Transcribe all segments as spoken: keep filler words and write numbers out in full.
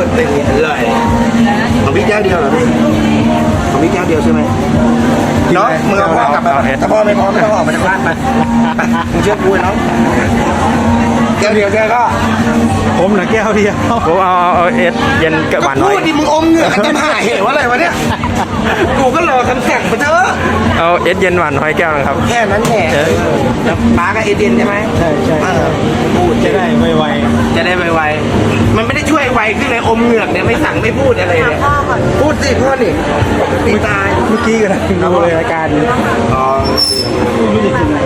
เต็มเลยของพี่แก้วเดียวเหรอพี่ของพี่แก้วเดียวใช่ไหมน้องมึงเอาพ่อกลับมาถ้าพ่อไม่พร้อมไม่ต้องออกมาจากบ้านไปมึงเชื่อกูน้องแก้วเดียวแกก็ผมนะแก้วเดียวผมเอาเอาเอสเย็นกับหวานน้อยพูดดิมึงอมเหงื่อกันจะหายเหวอะไรวะเนี่ยกูก็รอคำสั่งมาเถอะเอาเอสเย็นหวานน้อยแก้วนึงครับแค่นั้นแหละแล้วป้ากับเอเดนใช่ไหมใช่ใช่พูดจะได้ไวๆจะได้ไวๆมันไม่ได้ช่วยไวขึ้นเลยอมเหงือกเนี่ยไม่สั่งไม่พูดอะไรเนี่ยพูดสิพ่อนี่ตีตายเมื่อกี้ก็ได้ดูเลยรายการอ๋อไม่ได้กิน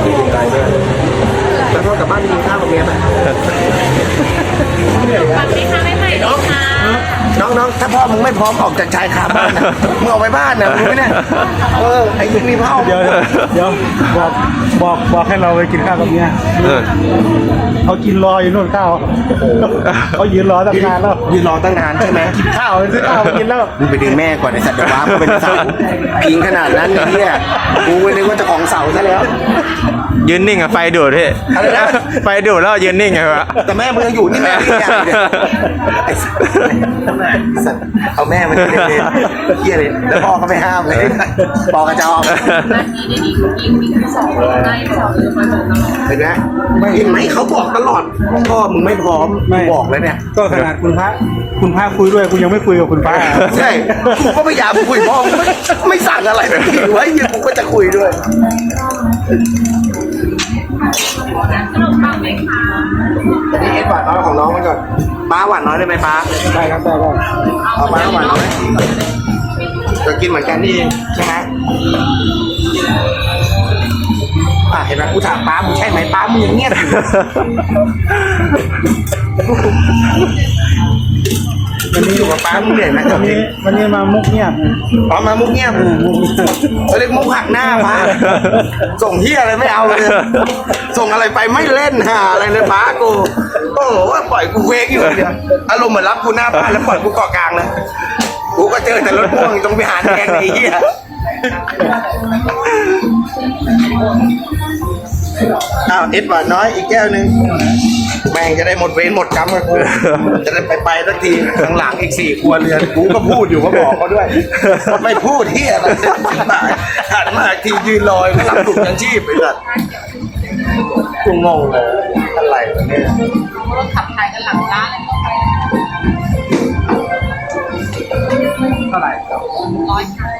แล้วพ่อกลับบ้านกินข้าวกับเมียไหมฟังไหมคะไม่ใหม่หรอกค่ะน้องๆถ้าพ่อมึงไม่พร้อมออกจากชายคาบ้านนะมึงออกไปบ้านนะมึงไม่เนี่ยเออไอ้ยังมีพ่อเดี๋ยวเดี๋ยวบอกบอกบอกให้เราไปกินข้าวกับเมียเขากินรออยู่นู่นข้าวเขายืนรอตั้งนานแล้วยืนรอตั้งนานใช่ไหมกินข้าวซื้อข้าวกินแล้วมึงไปดึงแม่ก่อนไอ้สัตว์เดี๋ยวว้ามึงเป็นเสาพิงขนาดนั้นเนี่ยกูนึกว่าจะของเสาซะแล้วยืนนิ่งอะไฟดูดพี่ไฟดูดแล้วยืนนิ่งไงวะแต่แม่มึงยังอยู่นี่แม่ที่ใหญ่เลยไอ้สัตว์เอาแม่มันเล่นเฮียเลยแล้วพ่อก็ไม่ห้ามเลยบอกกระจอกเห็นไหมเห็นไหมเขาบอกตลอดพ่อมึงไม่พร้อมไม่บอกเลยเนี่ยก็ขนาดคุณพระคุณพระคุยด้วยคุณยังไม่คุยกับคุณพระใช่กูก็พยายามคุยพ่อไม่ไม่สั่งอะไรเลยไว้ยังกูก็จะคุยด้วยขนมปังไหมคะอันนี้เอ็ดหวานน้อยของน้องมันก่อนป้าหวานน้อยได้ไหมป้าได้ครับได้ได้เอาป้าหวานน้อยจะกินเหมือนกันนี่เองใช่ไหมอ่ะเห็นไหมกูถามป้ามึงใช่ไหมป้ามึงเงียบวันนี้อยู่กับป้ามึงเหนื่อยไหมตอนนี้วันนี้มามุกเงียบอ๋อมามุกเงียบเขาเรียกมุกหักหน้าป้าส่งเฮียอะไรไม่เอาเลยส่งอะไรไปไม่เล่นหาอะไรเลยป้ากูโอ้โหปล่อยกูเวกอยู่เดียวอารมณ์เหมือนรับกูหน้าบ้านแล้วปล่อยกูเกาะกลางนะกูก็เจอแต่รถพ่วงต้องไปหาแทงไอ้เหี้ยอ้าวเอ็ดหวานน้อยอีกแก้วหนึ่งแม่งจะได้หมดเวรหมดกรรมกับกูจะได้ไปไปสักทีข้างหลังอีกสี่ครัวเรือนกูก็พูดอยู่ก็บอกเขาด้วยไม่พูดเหี้ยอะไรหันมาทียืนลอยรับถุงยังชีพไปเลยกูงงเลยอะไรวะเนี่ยรถขับถ่ายกันหลังร้านเลยเท่าไหร่ร้อยค่ะ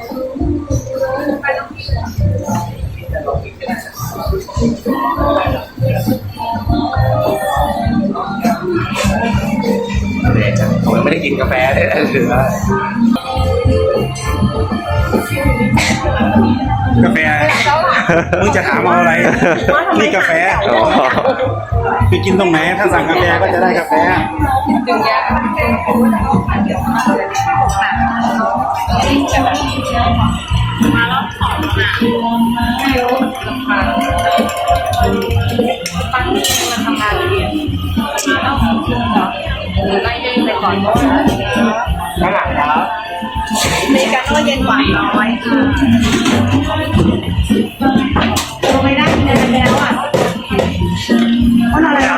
ผมยังไม่ได้กินกาแฟเลยเหลือกาแฟมึงจะถามเอาอะไรนี่กาแฟไปกินตรงไหนถ้าสั่งกาแฟก็จะได้กาแฟดึงยามาแล้วขอมาปังนี่มันทำงานเรียนมาแล้วไล่เด้งไปก่อนข้างหลังครับเมกาโน่เย็นหวานน้อยค่ะดูไม่ได้กินอะไรแล้วอ่ะว่าอะไรอ่ะ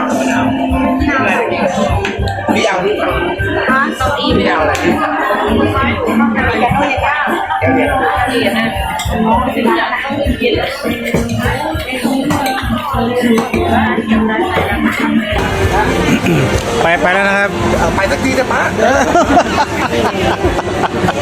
พี่เอาที่ฝั่งฮะเก้าอี้ไม่เอาอะไรเมกาโน่เย็นย่างแก้วเย็นเย็นนะเย็นไปไปแล้วนะครับไปสักทีจะป้า